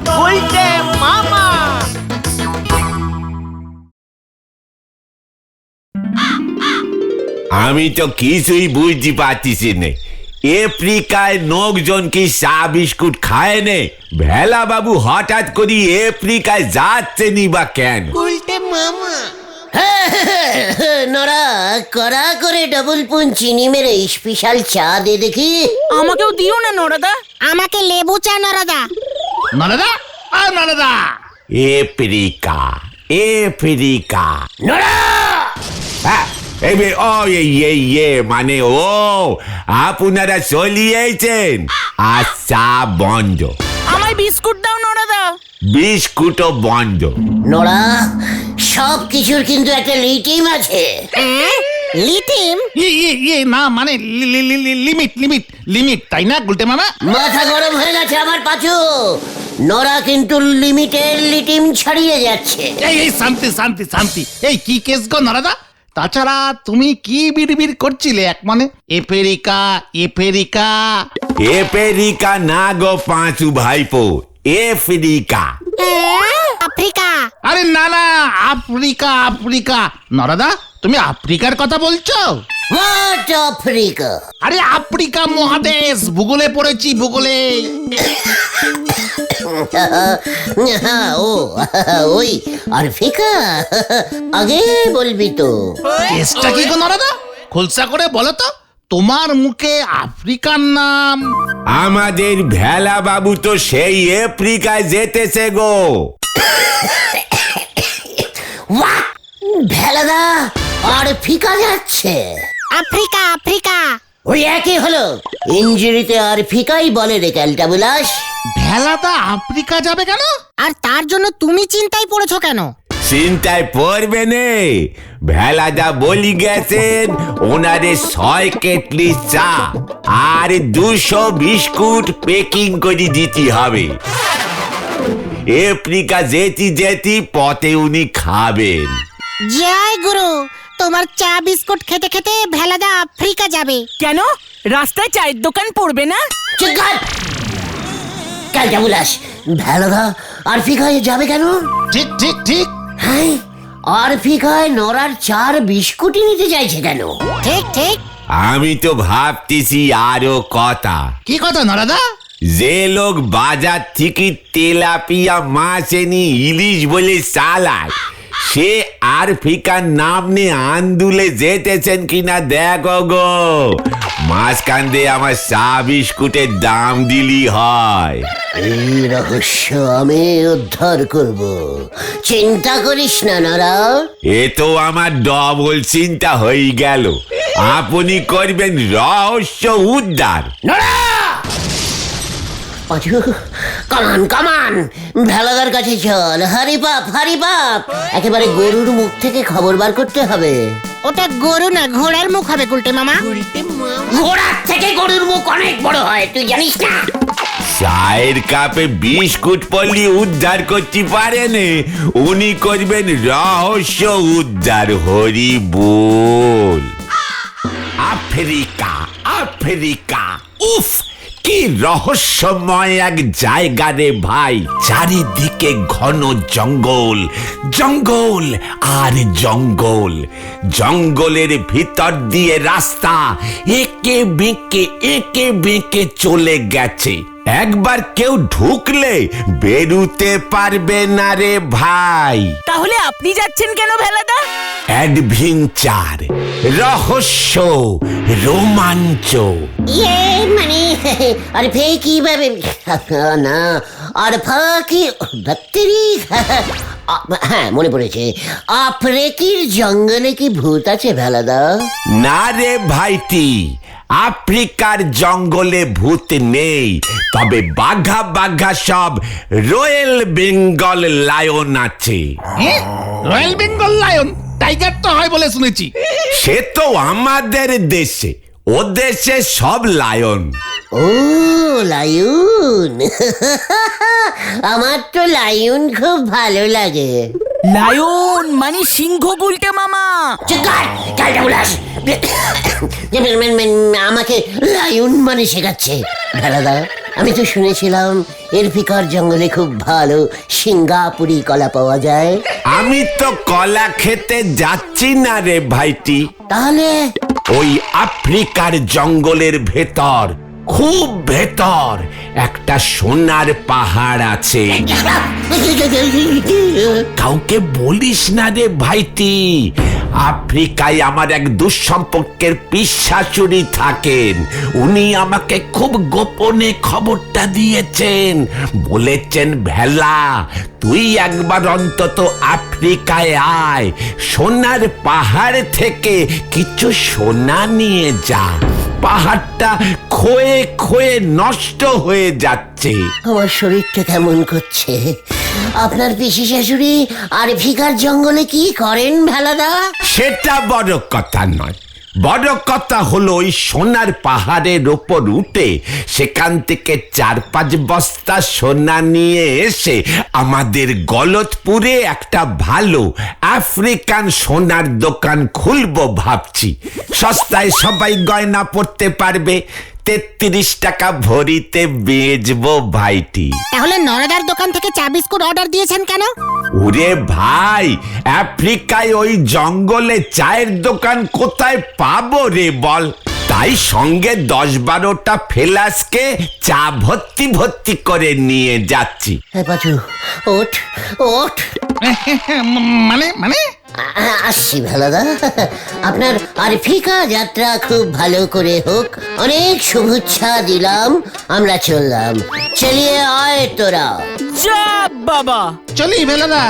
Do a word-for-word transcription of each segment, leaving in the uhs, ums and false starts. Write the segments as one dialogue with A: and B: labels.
A: গুলটে মামা।
B: আমি তো কিছুই বুঝতে পারতেছি না, আফ্রিকায় লোকজন কি চা বিস্কুট খায় নে? ভেলা বাবু হঠাৎ করে আফ্রিকায় যাচ্ছে নি বা কেন?
A: গুলটে মামা
C: নড়া কড়া করে ডবল পুন চিনি মেরে স্পেশাল চা দে দেখি।
D: আমাকেও দিও না নরাদা।
E: আমাকে লেবু চা নরাদা।
F: নরাদা আ নরাদা
B: আফ্রিকা আফ্রিকা
C: নড়া
B: হ্যাঁ, এই বে- ও এই এই এ মানে ও আপনারা চলিয়েছেন, আচ্ছা বন্ধ,
D: আমায় বিস্কুট দাও নরাদা।
B: বিস্কুটও বন্ধ।
C: নড়া সব কিছুর কিন্তু একটা লিটিম আছে।
E: লিটিম?
F: ইয়ে ইয়ে ইয়ে না মানে লি- লি- লি- লি- লিমিট লিমিট লিমিট তাই না গুলটে মামা?
C: মাথা গরম হয়ে গেছে আমার পাচু। নড়া কিন্তু লিমিটের লিটিম ছাড়িয়ে যাচ্ছে।
F: এই এই শান্তি শান্তি শান্তি। এই কি কেস গো নরাদা? তাছাড়া তুমি কি বিড়বিড় করছিলে এক মানে আফ্রিকা আফ্রিকা?
B: আফ্রিকা না গো পাঁচু ভাইপো, আফ্রিকা।
E: আফ্রিকা?
F: আরে না না আফ্রিকা আফ্রিকা। নরাদা তুমি আফ্রিকার কথা বলছো?
C: What Africa?
F: আরে আফ্রিকা মহাদেশ, ভূগোলে পড়েছি ভূগোলে।
C: ও ওই আফ্রিকা, আগে বলবি তো।
F: কেসটা কি গো নরাদা? খোলসা করে বলো তো, তোমার মুখে আফ্রিকার নাম।
B: আমাদের ভেলা বাবু তো সেই আফ্রিকায় যেতেছে গো।
C: হোয়াট? ভেলাদা আর ফিকা যাচ্ছে?
E: Africa Africa.
C: ওই একই হলো, ইঞ্জুরিতে আর ফিকাই বলে রে ক্যালটা বুলাস।
F: ভেলাদা আফ্রিকা যাবে কেন?
E: আর তার জন্য তুমি চিন্তায় পড়েছো কেন?
B: চিন্তায় পড়বে নে, ভেলাদা বলি গেছেন ওনারে ছয় কেটলি চা আর দুশো বিস্কুট প্যাকিং করে দিতে হবে। আফ্রিকা যেতে যেতে পথে উনি খাবেন।
E: জয় গুরু, তোমার চা বিস্কুট খেতে খেতে ভেলাদা আফ্রিকা যাবে।
D: কেন? রাস্তায় চায়ের দোকান পড়বে না?
C: ক্যালটা বুলাস, ভেলাদা আর ফিকায় যাবে কেন?
F: ঠিক ঠিক ঠিক।
C: হ্যাঁ, আর ফিকায় নড়ার চার বিস্কুটই নিতে চাইছে কেন?
E: ঠিক ঠিক।
B: আমি তো ভাবতেছি আরো কথা।
F: কি কথা নরাদা?
B: যে লোক বাজার থেকে তেলাপিয়া মাছ এনে ইলিশ বলে চালায়, সে আর ফিকার নাম নিয়ে আন্দুলে যেতেছেন কিনা দেখো গো। মাঝখান দিয়ে আমার চা বিস্কুটের দাম দিলি হয়।
C: এই রহস্য আমি উদ্ধার করব, চিন্তা করিস না নরা।
B: এ তো আমার ডবল চিন্তা হয়ে গেল, আপনি করবেন রহস্য উদ্ধার।
C: পাঁচু, কামান কামান, ভেলাদার কাছে চল। হারি বাপ হারি বাপ, একেবারে গরুর মুখ থেকে খবর বার করতে হবে।
E: ওটা গরু না, ঘোড়ার মুখ হবে গুলটে মামা।
A: গুলটে মামা।
C: ঘোড়ার থেকে গরুর মুখ অনেক বড় হয়, তুই জানিস না?
B: চায়ের কাপে বিস্কুট পল্লি উদ্ধার করতে পারেন, উনি করবেন রহস্য উদ্ধার। হরি বল। আফ্রিকা আফ্রিকা, উফ কি রহস্যময় এক জায়গা রে ভাই। চারিদিকে ঘন জঙ্গল, জঙ্গল আর জঙ্গল। জঙ্গলের ভিতর দিয়ে রাস্তা একে বেঁকে একে বেঁকে চলে গেছে। একবার কেউ ঢুকলে বেরুতে পারবে না রে ভাই।
D: তাহলে আপনি যাচ্ছেন কেন ভেলাদা?
B: অ্যাডভেঞ্চার, রহস্য, রোমাঞ্চ।
C: ইয়ে মানে আরে ফে কিভাবে না, আর ফাঁকি ধত্তেরি। হ্যাঁ মনে পড়েছে, আফ্রিকির জঙ্গলে কি ভূত আছে ভেলাদা?
B: না রে ভাইটি, আফ্রিকার জঙ্গলে ভূত নেই, তবে বাঘা বাঘা সব রয়্যাল বেঙ্গল লায়ন আছে।
F: Royal Bengal lion? টাইগার তো হয় বলে শুনেছি।
B: সে তো আমাদের দেশে, ও দেশে সব লায়ন।
C: ও লায়ন, আমার তো লায়ন খুব ভালো লাগে।
D: লায়ন মানে সিংহ গুলটে মামা।
C: আমাকে লায়ন মানে শেখাচ্ছে ভেলাদা। আমি তো শুনেছিলাম এরফিকার জঙ্গলে খুব ভালো সিঙ্গাপুরি কলা পাওয়া যায়।
B: আমি তো কলা খেতে যাচ্ছি না রে ভাইটি।
C: তাহলে
B: ওই আফ্রিকার জঙ্গলের ভেতর, খুব ভেতর একটা সোনার পাহাড় আছে। কাউকে বলিস না রে ভাইটি। আফ্রিকায় আমার এক দুঃসম্পর্কের পিশাচুরি থাকেন। উনি আমাকে খুব গোপনে খবরটা দিয়েছেন। বলেছেন, ভেলা তুই একবার অন্তত আফ্রিকায় আয়, সোনার পাহাড় থেকে কিছু সোনা নিয়ে যা। পাহাড়টা ক্ষয়ে ক্ষয়ে নষ্ট হয়ে যাচ্ছে।
C: আমার শরীরটা কেমন করছে। আপনার পিসি শাশুড়ি আরফিকার জঙ্গলে কি করেন ভেলাদা?
B: সেটা বড় কথা নয়। বড় কথা হলো ওই সোনার পাহাড়ের ওপর উঠে সেখান থেকে চার পাঁচ বস্তা সোনা নিয়ে এসে আমাদের গলতপুরে একটা ভালো আফ্রিকান সোনার দোকান খুলবো ভাবছি। সস্তায় সবাই গয়না পড়তে পারবে। তেত্রিশ টাকা ভরিতে বেচবো ভাইটি।
E: তাহলে নরেদার দোকান থেকে চা বিস্কুট অর্ডার দিয়েছেন কেন?
B: ওরে ভাই, আফ্রিকায় ওই জঙ্গলে চায়ের দোকান কোথায় পাবো রে বল? তাই সঙ্গে দশ বারোটা ফেলাসকে চা ভর্তি ভর্তি করে নিয়ে যাচ্ছি।
C: হ্যাঁ পাচু, ওঠ ওঠ।
F: মানে মানে
C: আ- আসছি ভেলাদা। আপনার আরফিকা যাত্রা খুব ভালো করে হোক, অনেক শুভেচ্ছা দিলাম। আমরা চললাম। চলিয়ে আয় তোরা।
D: যা বাবা।
F: চলি ভেলাদা।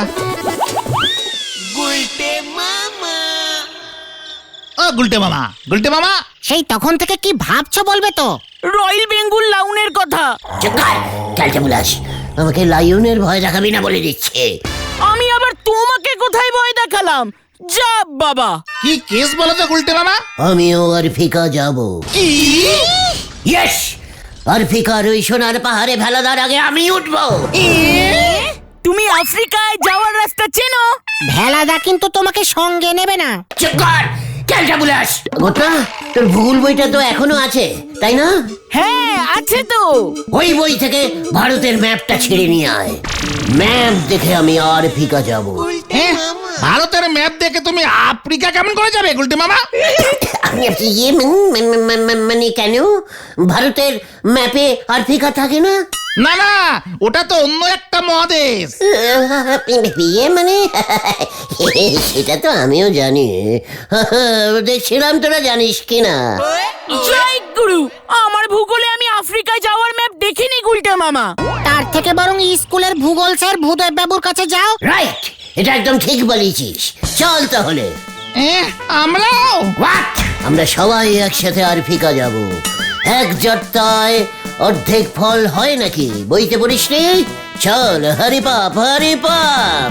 F: ও গুলটে মামা, গুলটে মামা।
E: সেই তখন থেকে কি ভাবছো বলবে তো?
D: রয়্যাল বেঙ্গল লাউনের কথা।
C: চুপ কর, ক্যালটা বুলাস। আমাকে লাইনের ভয় দেখাবি না বলে দিচ্ছে।
D: আমি আবার তোমাকে কোথায় ভয় দেখালাম? যা বাবা।
F: কি কেস বলো তো গুলটে মামা?
C: আমিও আরফিকা যাব।
F: কি?
C: ইয়েস, আরফিকার ওই সোনার পাহাড়ে ভেলাদার আগে আমি উঠবো।
D: তুমি আফ্রিকায় যাওয়ার রাস্তা চেনো?
E: ভেলাদা কিন্তু তোমাকে সঙ্গে নেবে না।
C: চুপ কর, ক্যালটা বুলাস। গোটা তোর ভূগোল বইটা তো এখনো আছে, তাই না?
D: হ্যাঁ আছে তো।
C: ওই বই থেকে ভারতের ম্যাপটা ছিঁড়ে নিয়ে আয়। ম্যাপ দেখে আমি আরফিকা যাব।
F: হ্যাঁ, ভারতের ম্যাপ দেখে তুমি আফ্রিকা কেমন করে যাবে গুলটে মামা?
C: আপনি আপনি ইয়ে মান- মান- মান- মান- মানে কেন ভারতের ম্যাপে আরফিকা থাকে না?
F: না না, ওটা তো অন্য একটা মহাদেশ।
C: ইয়ে মানে সেটা তো আমিও জানি। দেখছিলাম তোরা জানিস কিনা।
D: জয় গুরু, আমার ভূগোলে আমি আফ্রিকায় যাওয়ার ম্যাপ দেখিনি গুলটে মামা।
E: তার থেকে বরং স্কুলের ভূগোল স্যার ভূদেব বাবুর কাছে যাও।
C: রাইট, এটা একদম ঠিক বলেছিস। চল তাহলে।
F: এ, আমরাও?
C: হোয়াট? আমরা সবাই একসাথে আরফিকা যাব। এক জট্টায় অর্ধেক ফল হয় নাকি? বইতে পড়িস নি? চল হরি পাপ হরি পাপ।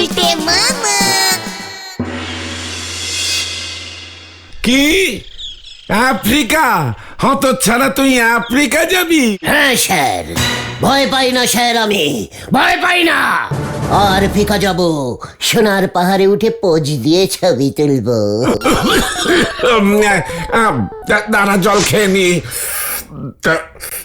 B: কি আফ্রিকা? হত ছাড়া তুই আফ্রিকা যাবি?
C: হ্যাঁ স্যার, ভয় পাই না স্যার, আমি ভয় পাই না। আর ফিকা যাব, সোনার পাহাড়ে উঠে পোজ দিয়ে ছবি তুলবো।
B: উম, আহ, আহ, দা- দাঁড়া, জল খেয়ে নি। তা-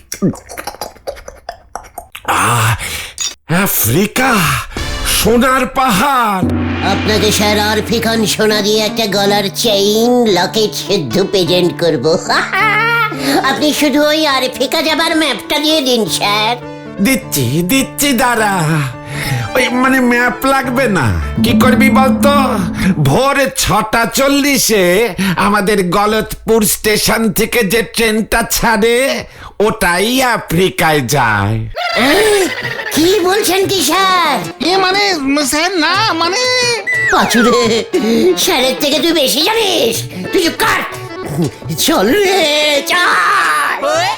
B: আহ, আফ্রিকা, সোনার পাহাড়।
C: আপনাকে স্যার আর ফিকান সোনা দিয়ে একটা গলার চেইন লকেট সিদ্ধ প্রেজেন্ট করব। আপনি শুধু ওই আর ফিকা যাবার ম্যাপটা দিয়ে দিন স্যার।
B: দিচ্ছি দিচ্ছি দাঁড়া। ওই মানে ম্যাপ লাগবে না। কি করবি বলতো? ভোর ছটা চল্লিশে আমাদের গলতপুর স্টেশন থেকে যে ট্রেনটা ছাড়ে ওটাই আফ্রিকায় যায়।
C: কি বলছেন কি স্যার?
F: এ মানে স্যার না মানে
C: পাচুরে, স্যারের থেকে তুই বেশি জানিস। তুই চুপ কর। চল রে, চল।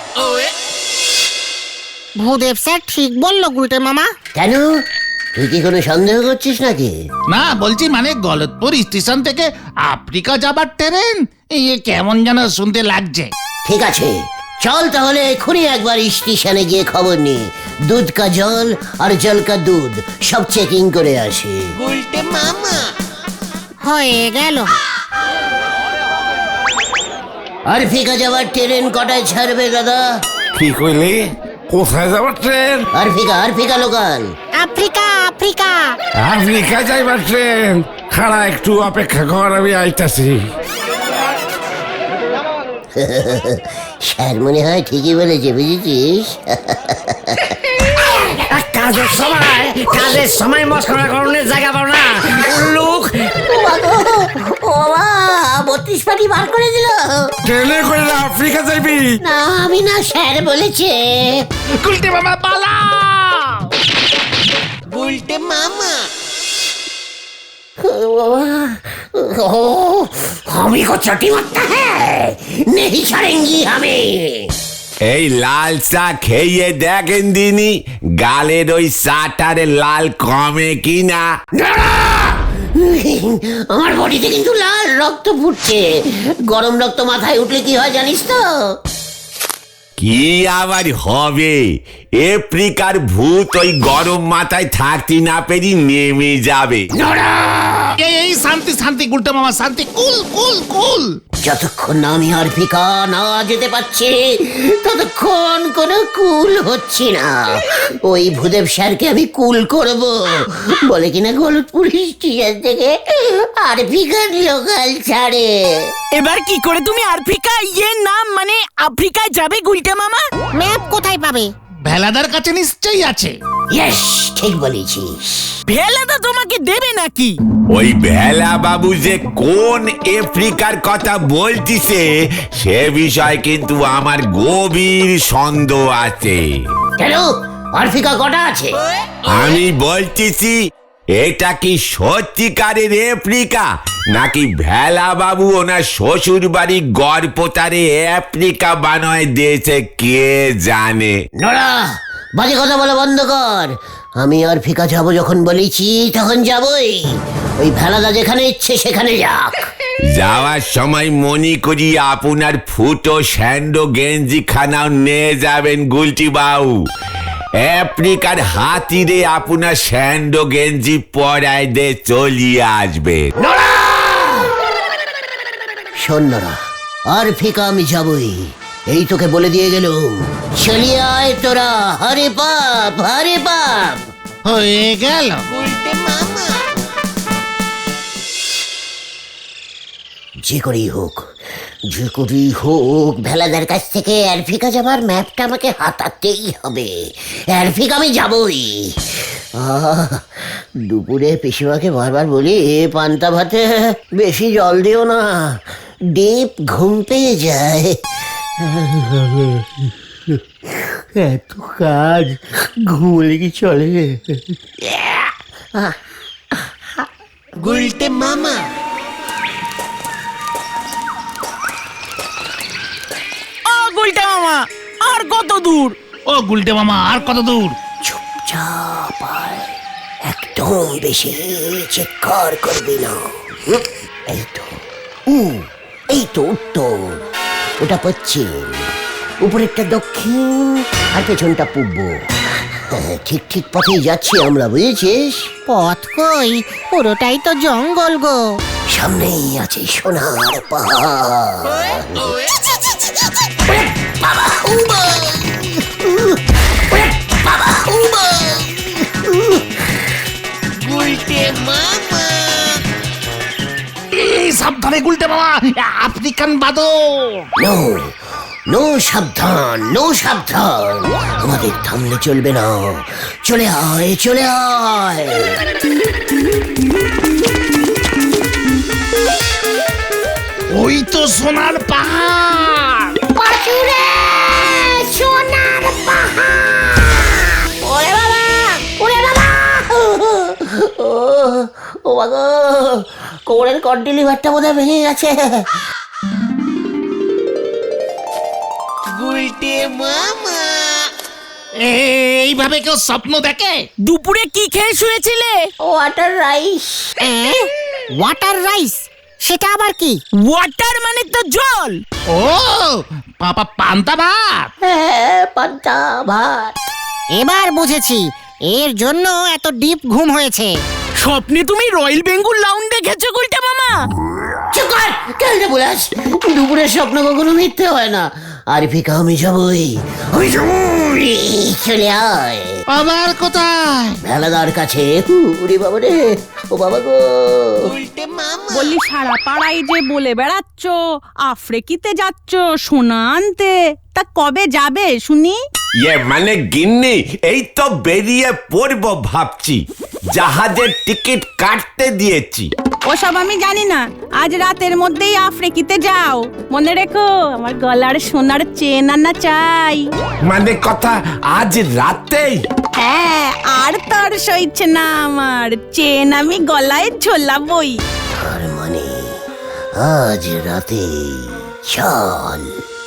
E: ভূদেব স্যার ঠিক বললো গুলটে মামা।
C: কেন, তুই কি কোনো সন্দেহ করছিস নাকি?
F: না, বলছি মানে গলতপুর স্টেশন থেকে আফ্রিকা যাবার ট্রেন। এই কেমন যেন শুনতে লাগছে।
C: ঠিক আছে, চল তাহলে এক্ষুনি একবার স্টেশনে গিয়ে খবর নি। দুধ কা জল আর জল কা দুধ সব চেকিং করে আসি।
E: হয়ে গেল।
C: আর ফিকা যাওয়ার ট্রেন কটায় ছাড়বে দাদা?
B: কি কইলি? কোথায় যাবার ট্রেন?
C: আরফিকা আরফিকা লোকাল।
E: আফ্রিকা আফ্রিকা
B: আফ্রিকা যাইবার ট্রেন। খাড়া একটু অপেক্ষা কর, আমি আইতাছি।
C: স্যার মনে হয় ঠিকই বলেছে, বুঝেছিস?
A: কাজের সময় কাজের সময় মস্করা করণের জায়গা পাও না লোক।
C: ও বাবা, ও বাবা, বত্রিশ পাটি বার করে দিল।
B: ট্রেনে করে আফ্রিকা যাইবি?
C: না আমি না, স্যার বলেছে।
F: গুলটে মামা পালা!
A: উল্টে মামা।
C: ও বাবা, ও, আমি কো চটি মারতা হ্যায়, নেহি ছাড়েঙ্গি আমি।
B: এই লাল চা খেয়ে দেখেন দিনি গালের ওই চাটারে লাল কমে কিনা।
C: আমার বডিতে কিন্তু লাল রক্ত ফুটছে। গরম রক্ত মাথায় উঠলে কি হয় জানিস তো?
B: কি আবার হবে? আফ্রিকার ভূত ওই গরম মাথায় থাকতে না পেরি নেমে যাবে।
F: এই এই শান্তি শান্তি গুলটে মামা, শান্তি। কুল কুল কুল।
C: যতক্ষণ না আমি আরফিকা না যেতে পারছি ততক্ষণ কোনো কুল হচ্ছে না। ওই ভূদেব স্যারকে আমি কুল করব বলে কিনা গলতপুর স্টেশন থেকে আরফিকার লোকাল ছাড়ে।
D: এবার কি করে তুমি আফ্রিকা ইয়ে নাম মানে আফ্রিকায় যাবে গুলটে মামা?
E: ম্যাপ কোথায় পাবে?
F: ভেলাদার কাছে নিশ্চয়ই আছে।
C: ইয়েস, ঠিক বলেছিস।
D: ভেলাদা তোমাকে দেবে নাকি?
B: ওই ভেলা বাবু যে কোন আফ্রিকার কথা বলতিছে সে বিষয় কিন্তু আমার গভীর সন্দেহ আছে।
C: কেন, আরফিকা কটা আছে?
B: আমি বলতেছি এটা কি সত্যিকারের আফ্রিকা নাকি ভেলা বাবু ওনার শ্বশুর বাড়ি গড়পোতারে আফ্রিকা বানায় দিয়েছে কে জানে।
C: নোরা, বাজে কথা বলা বন্ধ কর। আমি আরফিকা যাবো যখন বলেছি তখন যাবই। ওই ভেলাদা যেখানে ইচ্ছে সেখানে যাক।
B: যাওয়ার সময় মনে করি আপনার ফুটো স্যান্ডো গেঞ্জি খানাও নিয়ে যাবেন গুলটি বাবু। আফ্রিকার হাতিরে আপনার স্যান্ডো গেঞ্জি পরায় দে চলিয়ে আসবে।
C: শোন নোরা, আরফিকা আমি যাবই, এই তোকে বলে দিয়ে গেলুম। চলিয়ে আয় তোরা, হরে বাপ হরে বাপ।
F: হয়ে গেল।
A: উল্টে মামা।
C: যে করেই হোক, যে করেই হোক ভেলাদার কাছ থেকে আরফিকা যাবার ম্যাপটা আমাকে হাতাতেই হবে। আরফিকা আমি যাবই। আহ, দুপুরে পিসিমাকে বারবার বলি পান্তা ভাতে বেশি জল দিও না, ডিপ ঘুম পেয়ে যায়। এত কাজ, ঘুমলে কি চলে?
A: উল্টে মামা।
D: ও গুলটে মামা, আর কত দূর?
F: ও গুলটে মামা, আর কত দূর?
C: চুপচাপ আয়, একদম বেশি চিৎকার করবি না। হুম, এই তো উ এই তো উত্তর, ওটা পশ্চিম, উপরেরটা দক্ষিণ আর পেছনটা পূর্ব। হ্যাঁ, ঠিক ঠিক পথেই যাচ্ছি আমরা, বুঝেছিস?
E: পথ কই, পুরোটাই তো জঙ্গল গো।
C: সামনেই আছে সোনার পাহাড়। ওরে বাবা, উমা! ওরে বাবা, উমা!
A: উল্টে মামা।
F: এই সাবধানে গুলটে মামা, আফ্রিকান বাদর।
C: নো নো সাবধান, নো সাবধান, আমাদের থামলে চলবে না। চলে আয়, চলে আয়।
F: ওই তো সোনার পাহাড়।
C: পাঁচুরে সোনার পাহাড়। ওরে বাবা, ওরে বাবা, ও ও বাবা, কোমরের কর্ড লিভারটা বোধহয় ভেঙে গেছে।
A: উল্টে মামা।
F: এইভাবে কেউ স্বপ্ন দেখে?
D: দুপুরে কি খেয়ে শুয়েছিলে?
C: Water rice.
E: ওয়াটার রাইস, সেটা আবার কি?
D: ওয়াটার মানে তো জল।
F: ও পাপা, পান্তা ভাত।
C: হ্যাঁ, পান্তা ভাত।
E: এবার বুঝেছি এর জন্য এত ডিপ ঘুম হয়েছে।
D: স্বপ্নে তুমি রয়্যাল বেঙ্গল লাউন্ড দেখেছো গুলটে মামা?
C: চুপ কর, কেন বলাস? দুপুরের স্বপ্ন কখনো মিথ্যে হয় না। আর ফিকা আমি যাবই, আমি যাবই, চলে আয়
F: আবার কোথায়?
C: ভেলাদার কাছে। উরে বাবা রে, ও বাবা গো।
D: বললি সারা পাড়ায় যে বলে বেড়াচ্ছ আফ্রিকিতে যাচ্ছ সোনা আনতে, তা কবে যাবে শুনি?
B: ইয়ে মানে গিন্নি, এই তো বেরিয়ে পড়বো ভাবছি, জাহাজের টিকিট কাটতে দিয়েছি।
D: ওসব আমি জানি না, আজ রাতের মধ্যেই আফ্রিকিতে যাও। মনে রেখো আমার গলার সোনার চেন আনা চাই।
B: মানে কথা আজ রাতেই?
D: হ্যাঁ, আর তার সইছে না আমার, চেন আমি গলায় ঝোলাবই।
C: আর মানে আজ রাতে চল।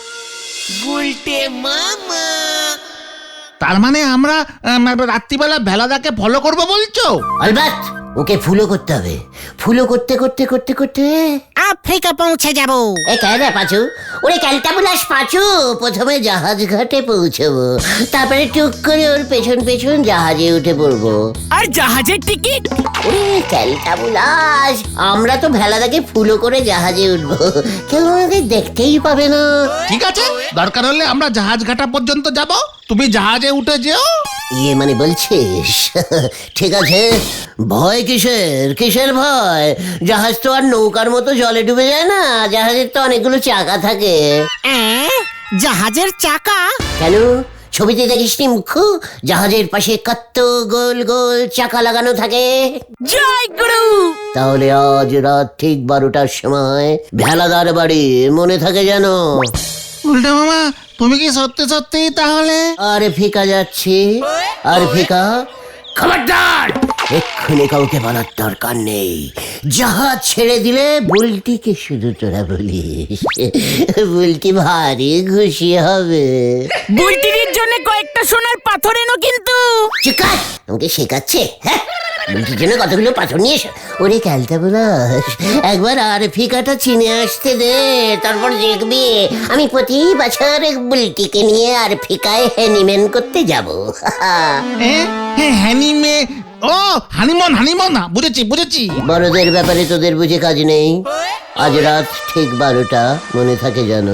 F: তার মানে আমরা আম, রাত্রিবেলা ভেলাদাকে ফলো করবো বলছো?
C: আলবাত ওকে ফুলো করতে হবে, ফুলো করতে করতে করতে করতে
E: আফ্রিকা পৌঁছে যাব।
C: এ কেন পাচু, ওরে ক্যালটাবুলাস পাচু, প্রথমে জাহাজ ঘাটে পৌঁছবো, তারপরে টুক করে ওর পেছন পেছন জাহাজে উঠে পড়বো।
D: আর জাহাজের টিকিট?
C: ওরে ক্যালটাবুলাস, আমরা তো ভেলাদাকে ফুলো করে জাহাজে উঠবো, কেউ আমাদের দেখতেই পাবে না।
F: ঠিক আছে, দরকার হলে আমরা জাহাজ ঘাটা পর্যন্ত যাব, তুমি জাহাজে উঠে যেও।
C: ইয়ে মানে বলছিস? ঠিক আছে, ভয় কিসের, কিসের ভয়? জাহাজ তো আর নৌকার মতো জলে ডুবে যায় না, জাহাজের তো অনেকগুলো চাকা থাকে।
E: অ্যাঁ, জাহাজের চাকা?
C: কেন, ছবিতে দেখিসনি মুখ্য, জাহাজের পাশে কত গোল গোল চাকা লাগানো থাকে।
D: জয় গুরু।
C: তাহলে আজ রাত ঠিক বারোটার সময় ভেলাদার বাড়ি, মনে থাকে যেন।
F: উল্টে মামা, তুমি কি সত্যি সত্যি তাহলে?
C: আর ফিকা যাচ্ছি, আর ফিকা খবরদার, এক্ষুনি কাউকে বলার দরকার নেই। জাহাজ ছেড়ে দিলে বুলটিকে শুধু তোরা বলিস, বুলটি ভারী খুশি হবে।
D: বুলটির জন্য কয়েকটা সোনার পাথর এনো কিন্তু।
C: চিকার, আমাকে শেখাচ্ছে? হ্যাঁ, বুলটির জন্য কতগুলো পাথর নিয়ে এসো। ওরে ক্যালটা বলাস, একবার আর ফিকাটা চিনে আসতে দে, তারপর দেখবি আমি প্রতি বছর বুলটিকে নিয়ে আর ফিকায় হ্যানিম্যান করতে যাবো।
F: হ্যানিমে, ও হানিমন, হানিমন, বুঝেছি বুঝেছি।
C: বড়দের ব্যাপারে তোদের বুঝে কাজ নেই। আজ রাত ঠিক বারোটা, মনে থাকে জানো।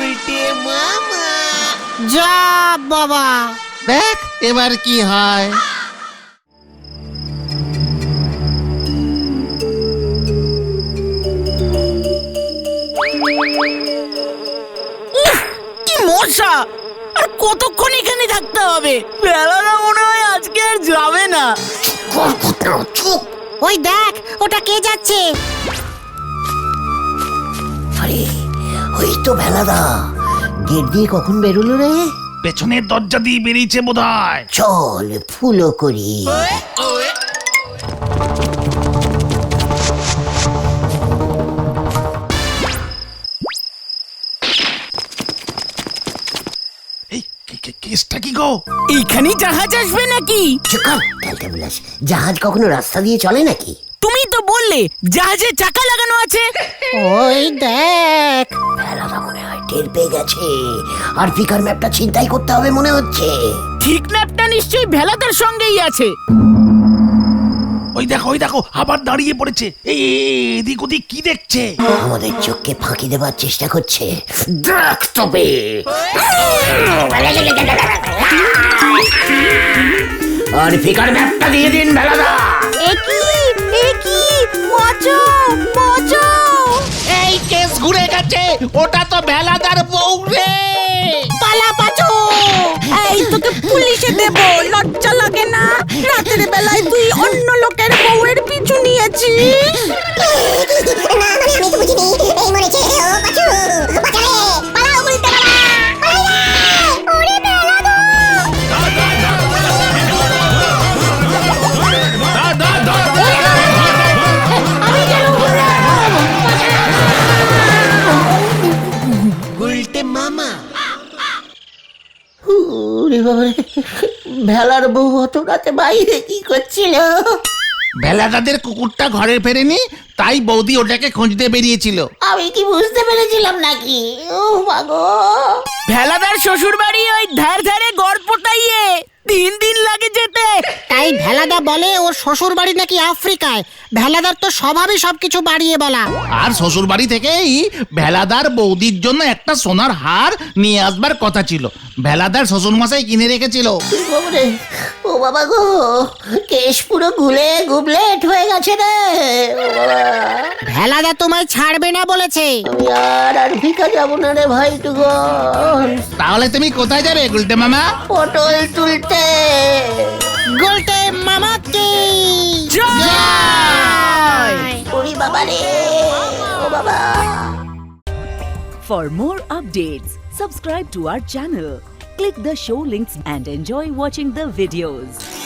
E: যা বাবা।
F: দেখ এবার কি হয়।
D: উফ, কি মশা! আর কতক্ষণ এখানে থাকতে হবে? বেলাটা মনে হয় আজকে আর যাবে না।
C: চুপ।
E: ওই দেখ, ওটা কে যাচ্ছে?
C: আরে ওই তো ভেলাদা, গেট দিয়ে কখন বেরোলো রে?
F: পেছনের দরজা দিয়ে বেরিয়েছে বোধহয়।
C: চল ফুলো করি।
F: এই কে- কে- কেসটা কি গো?
D: এইখানেই জাহাজ আসবে নাকি?
C: চুকার ক্যালটা বলাস, জাহাজ কখনো রাস্তা দিয়ে চলে নাকি?
D: তুমি তো বললে জাহাজে চাকা লাগানো আছে।
E: ওই দেখ।
C: ভেলাদা মনে হয় টের পেয়ে গেছে, আর ফিকার ম্যাপটা ছিনতাই করতে হবে মনে হচ্ছে।
D: ঠিক ম্যাপটা নিশ্চয়ই ভেলাদার সঙ্গেই আছে।
F: ওই দেখো, ওই দেখো, আবার দাঁড়িয়ে পড়েছে। এই এই, এই, এদিক ওদিক কি দেখছে?
C: আমাদের চোখকে ফাঁকি দেবার চেষ্টা করছে। দেখ তবে। আর ফিকার ম্যাপটা দিয়ে দিন ভেলাদা।
D: একই একই বাঁচাও বাঁচাও।
F: এই কেস ঘুরে গেছে, ওটা তো ভেলাদার বউ রে।
D: পালা পাচো। এই তোকে পুলিশে দেব, লজ্জা লাগে না? রাতের বেলায় তুই অন্য লোকের বউয়ের পিছু নিয়েছিস।
C: ওরে বাবারে, ভেলার বউ অত রাতে বাইরে কি করছিল?
F: ভেলাদাদের কুকুরটা ঘরে ফেরেনি, তাই বৌদি ওটাকে খুঁজতে বেরিয়েছিল।
C: আমি কি বুঝতে পেরেছিলাম নাকি? ও মাগো,
D: ভেলাদার শ্বশুর বাড়ি ওই ধার ধারে গড়পটাইয়ে তিন দিন লাগে যেতে।
E: তাই ভেলাদা বলে ওর শ্বশুর বাড়ি নাকি আফ্রিকায়। ভেলাদার তো স্বভাবই সবকিছু বাড়িয়ে বলা।
F: আর শ্বশুর বাড়ি থেকেই ভেলাদার বৌদির জন্য একটা সোনার হার নিয়ে আসবার কথা ছিল, ভেলাদার শ্বশুর মশাই কিনে রেখেছিল।
C: বাবারে, ও বাবা গো, কেশ পুরো গুলে গুবলেট হয়ে গেছে রে। ও বাবা,
E: ভেলাদা তোমায় ছাড়বে না বলেছে।
C: আমি আর আর ভিকা যাবো না রে ভাইটুগন।
F: তাহলে তুমি কোথায় যাবে গুলটে মামা?
C: পটল তুলতে।
E: গোলটে মামাকে
C: ওরে বাবা রে, ও বাবা।
G: For more updates, subscribe to our channel, click the show links and enjoy watching the videos.